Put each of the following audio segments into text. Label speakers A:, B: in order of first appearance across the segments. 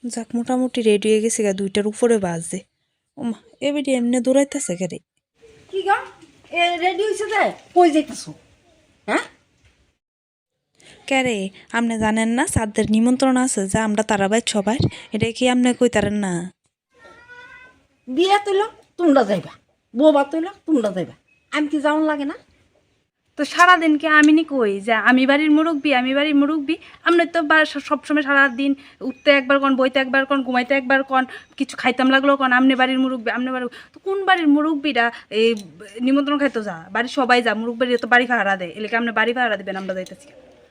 A: যাক মোটামুটি রেডি হয়ে গেছে গা, 2টার উপরে বাজে। ওমা এবারে এমনি দৌড়াইতেছে কেরে?
B: কি গা এ রেডি হইছে যে কই যাইতাছো? হ্যাঁ
A: ক্যারে আপনি জানেন না সাদের নিমন্ত্রণ আছে যা আমরা তারাবাই সবাই, এটা কি আপনি কইতারেন না?
B: বিয়া তৈল তোমরা যাইবা, বৌবা তৈল তোমরা যাইবা, আমি কি যাওন লাগে না?
C: তো সারাদিন কি আমি নি কই যে আমি বাড়ির মুরব্বী আমি বাড়ির মুরব্বী। আমরা তো সবসময় সারাদিন উঠতে একবার কন, বইতে একবার কন, ঘুমাইতে একবার কন, কিছু খাইতাম লাগলো কন আমনে বাড়ির মুরব্বী আমনে বাড়ির। তো কোন বাড়ির মুরব্বীরা এই নিমন্ত্রণ খাইতো যা, বাড়ির সবাই যা, মুরব্বীরা তো বাড়ি ভাড়া দেয়, এলাকা আপনি বাড়ি ভাড়া দিবেন আমরা যাইতেছি।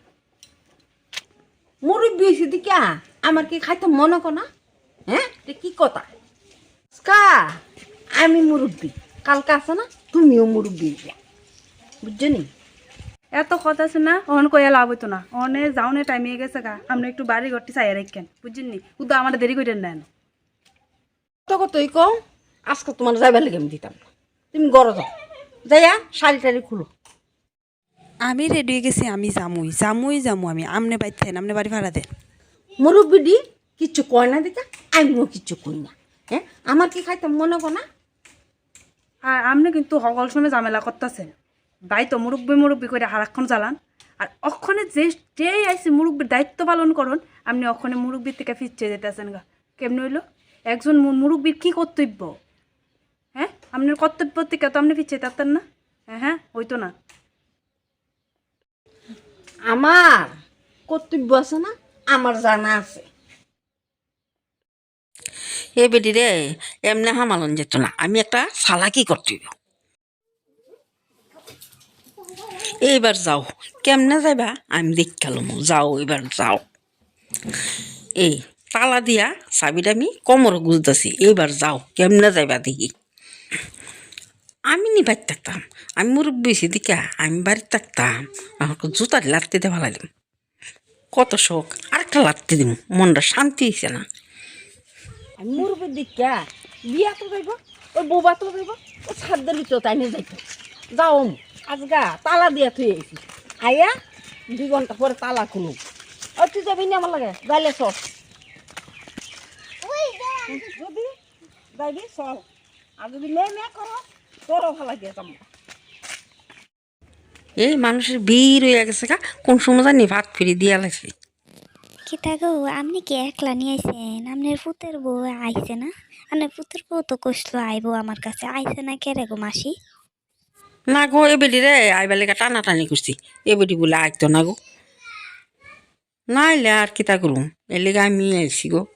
B: মুরব্বী হয়েছে দিকা আমার কি খাইতে মনে কো না? হ্যাঁ এটা কি কথা? কা আমি মুরব্বী, কালকে আছে না তুমিও মুরব্বী, বুঝছো নি?
C: এত কথা আছে না, অন কইয়া লাভ হইতো না, অনে যাওনে টাইম হয়ে গেছে গা, আপনি একটু বাড়ি ঘরটি চাইয়া রাখেন বুঝছেন নি, উদা আমার দেরি করেন নেন।
B: তো কতই কও আজকে তোমার যাইবার লেগে আমি দিতাম না, তুমি গড় যাও, যাইয়া শাড়ি টাড়ি খুলো।
A: আমি রেডি হয়ে গেছি, আমি যামু আমি। আমনে বাইতেন, আমনে বাড়ি ভাড়া দেন।
B: মুরব্বী কিচ্ছু কয় না দিকা, আমিও কিচ্ছু কই না। হ্যাঁ আমার কি খাইতে মনে কো না?
C: আর আপনি কিন্তু সকল সময় ঝামেলা করতেছেন, বাই তো মুরব্বী মুরব্বী করে হারাক্ষণ জ্বালান, আর অক্ষণে যেই আইসি মুরব্বীর দায়িত্ব পালন করুন, আপনি অক্ষণে মুরব্বীর থেকে ফিরছে যেতেছেন গা। কেমন হইল? একজন মুরব্বীর কি কর্তব্য? হ্যাঁ আপনার কর্তব্য থেকে তো আপনি ফিরছে যেতেন না। হ্যাঁ হইতো না।
B: আমার কর্তব্য আছে না, আমার জানা আছে।
D: এ বেটি রে, এমনি হামালন যেত না, আমি একটা চালাকি করতে হইব। এইবার যাও, কেমনে যাইবা আমি দেখালাম, যাও এবার যাও। এই তালা দিয়া চাবিটা আমি কোমর গুজতেছি, এইবার যাও কেমনে যাইবা দেখি। আমি নি বাড়ি থাকতাম, আমি মুরব্বী হয়েছি দিকা আমি বাড়িতে থাকতাম, আমাকে জুতার লাত্তি দিয়ে ভালাইলাম, কত শখ, আরেকটা লাত্তি দিব, মনটা শান্তি হয়েছে না।
B: আমি মুরব্বীর দিকা বিয়া তো যাইব, ওই বৌবা তো যাইব, ও ছাদের ভিতর তাই নিয়ে যাইত। যাও আজগা তালা দিয়া থুই আইছি, আইয়া 2 ঘন্টা পরে তালা খুলু। ও তুই যাবি না আমার লাগে, যাইলে চল, যদি যাইবি চল, আর যদি মেয়ে করো তোরও ভালো লাগে যাম।
D: এই মানুষের ভিড় হয়ে গেছে গা, কোন সময় জানি ভাত ফিরি দিয়া লাগছে।
E: কিতা গো, আপনি কি একলা নিয়ে আইছেন? আপনার পুতের বউ আইছে না? আপনার পুতের বউ তো কইছিল আইবো আমার কাছে, আইছে না কে রে গো মাসি?
D: না গো, এ বেটি রে আইবার লেগে টানাটানি করছি, এ বেটি বলে আইতো না গো, না আইলে আর কিতা করুম, এর লেগে আমি আইছি গো।